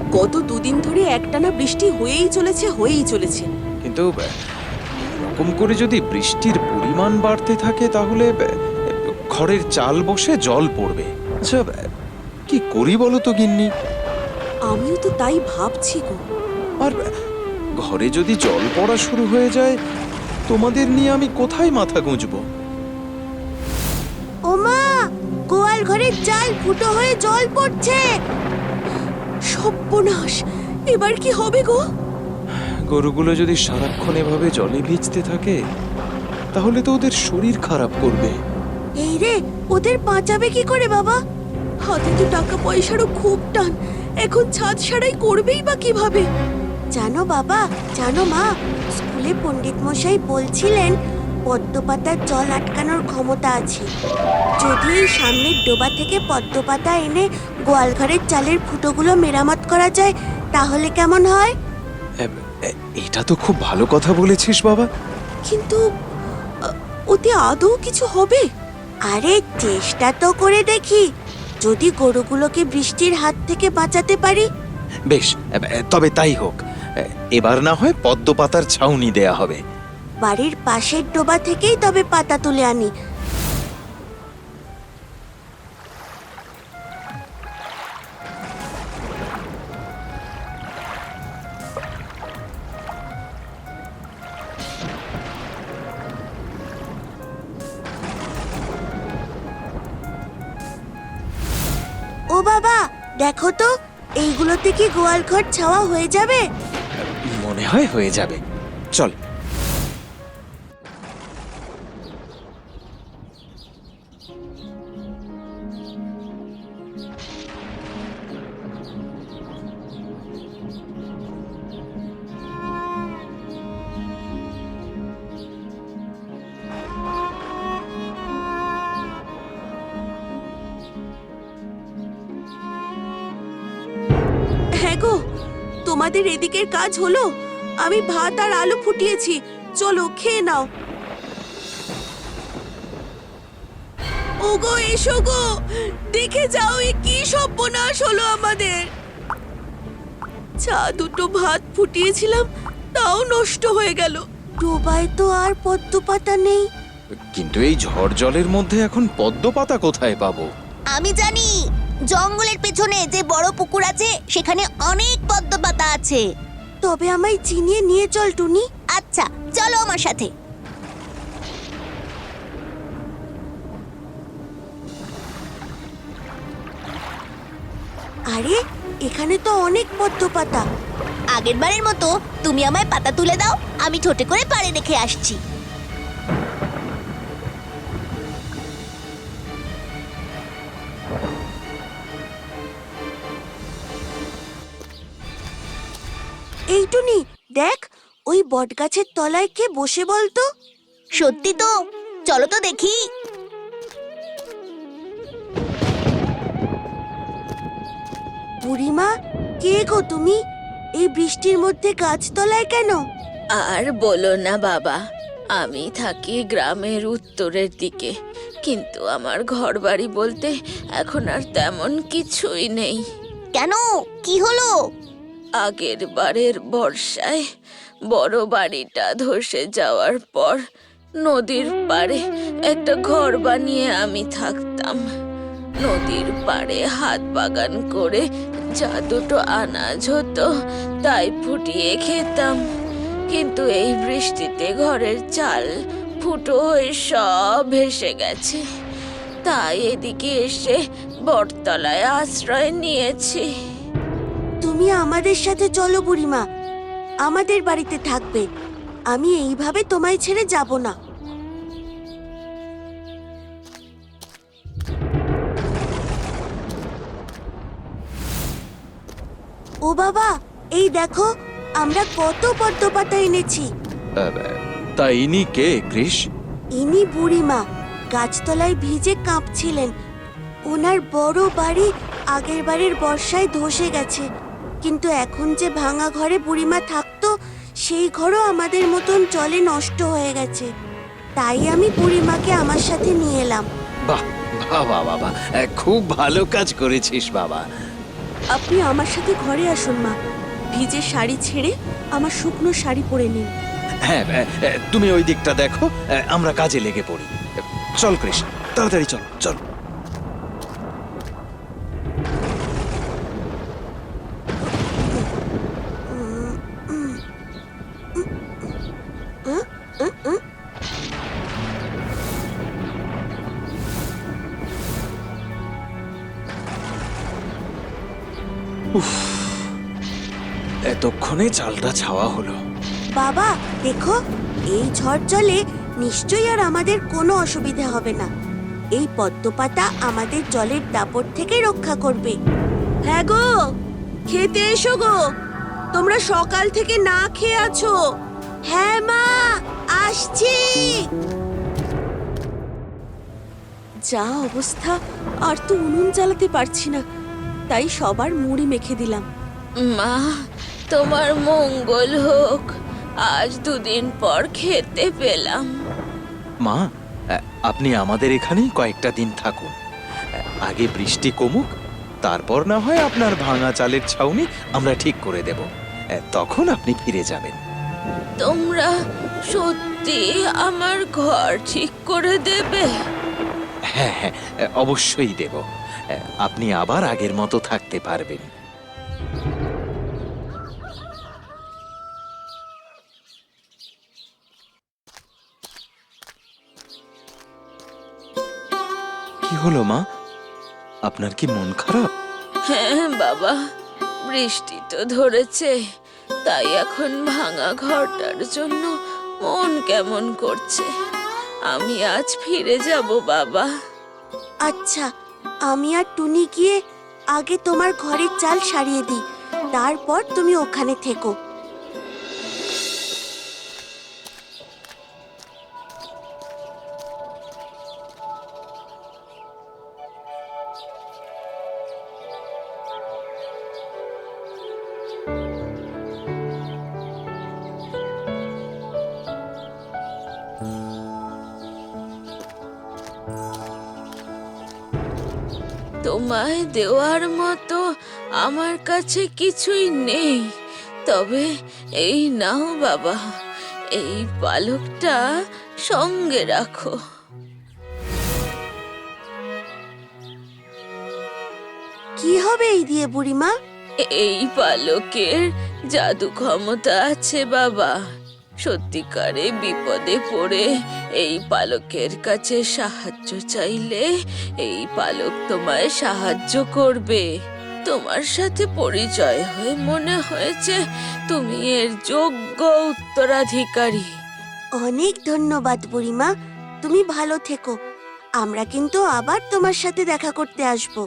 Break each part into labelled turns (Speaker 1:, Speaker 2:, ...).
Speaker 1: গত দুদিন ধরে একটানা বৃষ্টি হয়েই চলেছে।
Speaker 2: কিন্তু এরকম করে যদি বৃষ্টির পরিমাণ বাড়তে থাকে তাহলে ঘরের চাল বসে জল পড়বে। আচ্ছা, কি করি বলো তো গিন্নি?
Speaker 1: আমিও তো তাই ভাবছি গো।
Speaker 2: আর ঘরে যদি জল পড়া শুরু হয়ে যায়, তোমাদের নিয়ে আমি কোথায় মাথা গুঁজবো?
Speaker 1: ওমা, গোয়াল ঘরের চাল ফুটো হয়ে জল পড়ছে। সর্বনাশ, এবার কি হবে গো?
Speaker 2: গরুগুলো যদি সারাক্ষণ এভাবে জলে ভিজতে থাকে তাহলে তো ওদের শরীর খারাপ করবে।
Speaker 1: এই রে, ওদের বাঁচাবে কি করে বাবা? হাতে তো টাকা পয়সারও খুব টান, এখন ছাদ সারাই করবেই বা কিভাবে? জানো বাবা, জানো মা, স্কুলে পণ্ডিত মশাই বলছিলেন পদ্মপাতার জল আটকানোর ক্ষমতা আছে। যদি এই সামনের ডোবা থেকে পদ্মপাতা এনে গোয়ালঘরের চালের ফুটোগুলো মেরামত করা যায় তাহলে কেমন হয়?
Speaker 2: এটা তো খুব ভালো কথা বলেছিস বাবা।
Speaker 1: কিন্তু ওতে আদৌ কিছু হবে? আরে চেষ্টা তো করে দেখি, যদি গরুগুলোকে বৃষ্টির হাত থেকে বাঁচাতে পারি।
Speaker 2: বেশ, তবে তাই হোক। এবার না হয় পদ্মপাতার ছাউনি দেয়া হবে।
Speaker 1: বাড়ির পাশের ডোবা থেকেই তবে পাতা তুলে আনি। ও বাবা, দেখো তো, এইগুলোতে কি গোয়াল ঘর ছাওয়া হয়ে যাবে?
Speaker 2: মনে হয় হয়ে যাবে। চল।
Speaker 1: হ্যাঁ গো, তোমাদের এদিকের কাজ হলো। আমি ভাত আর আলু ফুটিয়েছি, চলো খেয়ে নাও। ওগো, এসো গো, দেখে যাও এ কি সর্বনাশ হলো আমাদের। চা দুটো ভাত ফুটিয়েছিলাম, তাও নষ্ট হয়ে গেল। ডোবায় তো আর পদ্মপাতা নেই।
Speaker 2: কিন্তু এই ঝড় জলের মধ্যে এখন পদ্মপাতা কোথায় পাবো?
Speaker 3: আমি জানি, জঙ্গলের পেছনে যে বড় পুকুর আছে সেখানে অনেক পদ্মপাতা আছে।
Speaker 1: তবে আমায় চিনিয়ে নিয়ে চল টুনি।
Speaker 3: আচ্ছা, চলো আমার সাথে।
Speaker 1: আরে, এখানে তো অনেক পদ্মপাতা।
Speaker 3: আগের বারের মতো তুমি আমায় পাতা তুলে দাও, আমি ঠোঁটে করে পাড়ে রেখে আসছি।
Speaker 1: এই টুনি, দেখ, ওই বটগাছের তলায় কে বসে বলতো?
Speaker 3: সত্যি তো, চলো তো দেখি।
Speaker 1: বুড়িমা, কে গো তুমি? এই বৃষ্টির মধ্যে গাছতলায় কেন?
Speaker 4: আর বলো না বাবা, আমি থাকি গ্রামের উত্তরের দিকে, কিন্তু আমার ঘরবাড়ি বলতে এখন আর তেমন কিছুই নেই।
Speaker 3: কেন, কি হলো?
Speaker 4: আগের বারের বর্ষায় বড় বাড়িটা ধসে যাওয়ার পর নদীর পাড়ে একটা ঘর বানিয়ে আমি থাকতাম। নদীর পাড়ে হাত বাগান করে যা দুটো আনাজ হতো তাই ফুটিয়ে খেতাম। কিন্তু এই বৃষ্টিতে ঘরের চাল ফুটো হয়ে সব ভেসে গেছে, তাই এদিকে এসে বটতলায় আশ্রয় নিয়েছি।
Speaker 1: তুমি আমাদের সাথে চলো বুড়িমা, আমাদের বাড়িতে থাকবে। আমি এইভাবে তোমায় ছেড়ে যাব না। ও বাবা, এই দেখো, আমরা কত পদ্মপাতা এনেছি।
Speaker 2: তা ইনি কে কৃষ?
Speaker 1: ইনি বুড়িমা, গাছতলায় ভিজে কাঁপছিলেন। ওনার বড় বাড়ি আগের বারের বর্ষায় ধসে গেছে, কিন্তু এখন যে ভাঙা ঘরে বুড়িমা থাকতো সেই ঘরও আমাদের মতন জলে নষ্ট হয়ে গেছে। তাই আমি বুড়িমাকে আমার সাথে নিয়ে এলাম।
Speaker 2: বাহ, বাবা বাবা, খুব ভালো কাজ করেছিস বাবা।
Speaker 1: আপনি আমার সাথে ঘরে আসুন মা। ভিজে শাড়ি ছেড়ে আমার শুকনো শাড়ি পরে নিন।
Speaker 2: হ্যাঁ, তুমি ওই দিকটা দেখো, আমরা কাজে লেগে পড়ি। চল কৃষ, তাড়াতাড়ি চল চল। এতক্ষণে চালটা ছাওয়া হলো।
Speaker 1: বাবা দেখো, এই ঝড় জলে নিশ্চয়ই আর আমাদের কোনো অসুবিধা হবে না। এই পদ্মপাতা আমাদের জলের দাপট থেকে রক্ষা করবে। হ্যাঁ গো, খেতে এসো গো। তোমরা সকাল থেকে না খেয়ে আছো। হ্যাঁ মা, আসছি। যা অবস্থা, আর তো উনুন জ্বালাতে পারছি না, তাই সবার মুড়ি মেখে দিলাম।
Speaker 4: মা, তোমার মঙ্গল হোক, আজ 2 দিন পর খেতে পেলাম।
Speaker 2: মা, আপনি আমাদের এখানেই কয়েকটা দিন থাকুন। আগে বৃষ্টি কমুক, তারপর না হয় আপনার ভাঙা চালের ছাউনি আমরা ঠিক করে দেব। তখন আপনি ফিরে যাবেন।
Speaker 4: তোমরা সত্যি আমার ঘর ঠিক করে দেবে?
Speaker 2: হ্যাঁ হ্যাঁ, অবশ্যই দেব। আপনি আবার আগের মতো থাকতে পারবেন। কি হলো মা, আপনার কি মন খারাপ?
Speaker 4: হ্যাঁ বাবা, বৃষ্টি তো ধরেছে, তাই এখন ভাঙা ঘরটার জন্য মন কেমন করছে। আমি আজ ফিরে যাব বাবা।
Speaker 1: আচ্ছা, আমি আর টুনি গিয়ে আগে তোমার ঘরের চাল সারিয়ে দিই, তারপর তুমি ওখানে থেকো।
Speaker 4: তোমায় দেওয়ার মতো আমার কাছে কিছুই নেই, তবে এই নাও বাবা, এই পালকটা সঙ্গে রাখো।
Speaker 1: কি হবে এই দিয়ে বুড়িমা?
Speaker 4: এই পালকের জাদু ক্ষমতা আছে বাবা। সত্যিকারে বিপদে পড়ে এই পালকের কাছে সাহায্য চাইলে এই পালক তোমায় সাহায্য করবে। তোমার সাথে পরিচয় হয়ে মনে হয়েছে তুমি এর যোগ্য উত্তরাধিকারী।
Speaker 1: অনেক ধন্যবাদ বুড়িমা, তুমি ভালো থেকো। আমরা কিন্তু আবার তোমার সাথে দেখা করতে আসবো।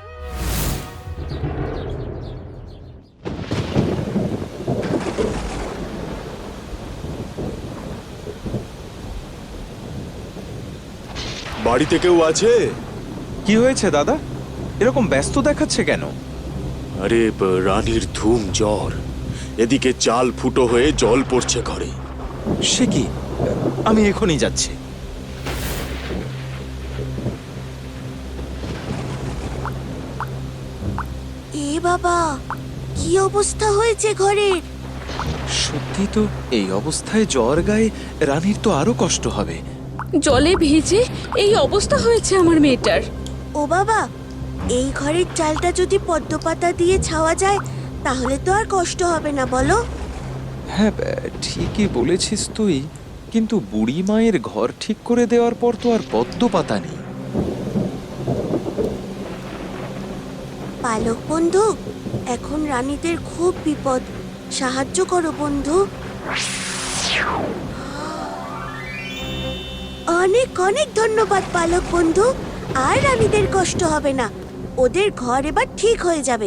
Speaker 5: বাড়িতে কেউ আছে?
Speaker 2: কি হয়েছে দাদা, এরকম ব্যস্ত দেখাচ্ছে কেন?
Speaker 5: আরে রানীর ধুম জ্বর, এদিকে চাল ফুটো হয়ে জল পড়ছে ঘরে।
Speaker 2: সে কি, আমি এখনই যাচ্ছি।
Speaker 1: এ বাবা, কি অবস্থা হয়েছে ঘরের?
Speaker 2: সত্যি তো, এই অবস্থায় জ্বর গায়ে রানীর তো আরো কষ্ট হবে।
Speaker 6: জলে ভিজে এই অবস্থা হয়েছে আমার মেয়েটার।
Speaker 1: ও বাবা, এই ঘরের চালটা যদি পদ্মপাতা দিয়ে ছাওয়া যায় তাহলে তো আর কষ্ট হবে না, বলো?
Speaker 2: হ্যাঁ, ঠিকই বলেছিস তুই, কিন্তু বুড়ি মায়ের ঘর ঠিক করে দেওয়ার পর তো আর পদ্মপাতা নেই।
Speaker 1: পালক বন্ধু, এখন রানীদের খুব বিপদ, সাহায্য করো বন্ধু। অনেক অনেক ধন্যবাদ পালক বন্ধু, আর রানীদের কষ্ট হবে না, ওদের ঘর এবার ঠিক হয়ে যাবে।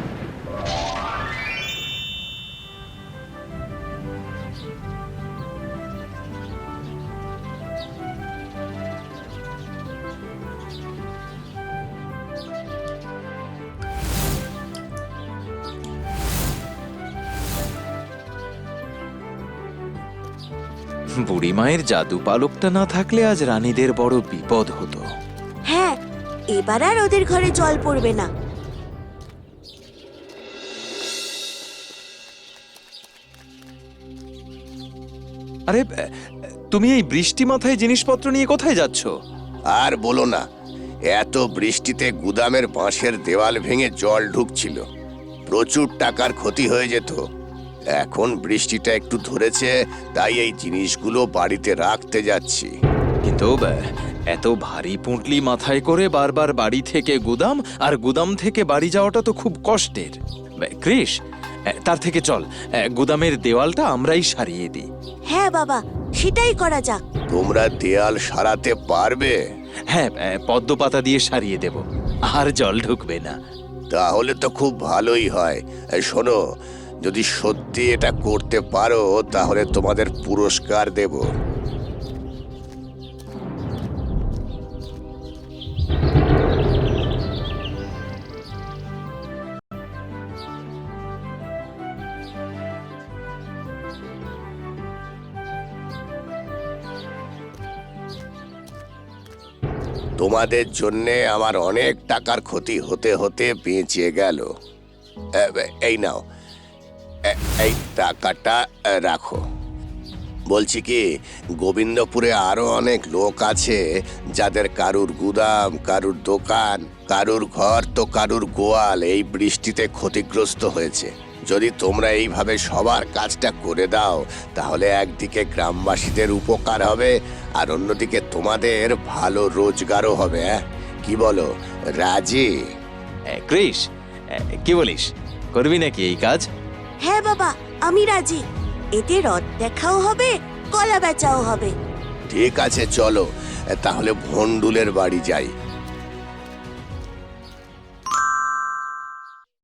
Speaker 2: বুড়ি মায়ের জাদু পালকটা না থাকলে আজ রানীদের বড় বিপদ হতো।
Speaker 1: হ্যাঁ, এবার আর ওদের ঘরে জল পড়বে না।
Speaker 2: আরে তুমি এই বৃষ্টি মাথায় জিনিসপত্র নিয়ে কোথায় যাচ্ছ?
Speaker 7: আর বলো না, এত বৃষ্টিতে গুদামের বাঁশের দেওয়াল ভেঙে জল ঢুকছিল, প্রচুর টাকার ক্ষতি হয়ে যেত। এখন বৃষ্টিটা একটু ধরেছে, তাই এই জিনিসগুলো বাড়িতে রাখতে যাচ্ছি।
Speaker 2: কিন্তু এত ভারী পুঁটলি মাথায় করে বারবার বাড়ি থেকে গুদাম আর গুদাম থেকে বাড়ি যাওয়াটা তো খুব কষ্টের। কৃষ, তার থেকে চল গুদামের দেওয়ালটা আমরাই সারিয়ে দিই।
Speaker 1: হ্যাঁ বাবা, সেটাই করা যাক।
Speaker 7: তোমরা দেয়াল সারাতে পারবে?
Speaker 2: হ্যাঁ, পদ্ম পাতা দিয়ে সারিয়ে দেব, আর জল ঢুকবে না।
Speaker 7: তাহলে তো খুব ভালোই হয়। শোনো, যদি সত্যি এটা করতে পারো তাহলে তোমাদের পুরস্কার দেব। তোমাদের জন্যে আমার অনেক টাকার ক্ষতি হতে হতে বেঁচে গেল। এই নাও, এই টাকাটা রাখো। বলছি কি, গোবিন্দপুরে আরো অনেক লোক আছে যাদের কারুর গুদাম, কারুর দোকান, কারুর ঘর তো কারুর গোয়াল এই বৃষ্টিতে ক্ষতিগ্রস্ত হয়েছে। যদি তোমরা এইভাবে সবার কাজটা করে দাও তাহলে একদিকে গ্রামবাসীদের উপকার হবে আর অন্যদিকে তোমাদের ভালো রোজগারও হবে। কি বলো, রাজি?
Speaker 2: কৃষ, কি বলিস, করবি নাকি এই কাজ?
Speaker 1: হ্যাঁ বাবা, আমি রাজি। এতে রথ দেখাও হবে, কলা বেচাও হবে।
Speaker 7: ঠিক আছে, চলো তাহলে ভন্ডুলের বাড়ি যাই।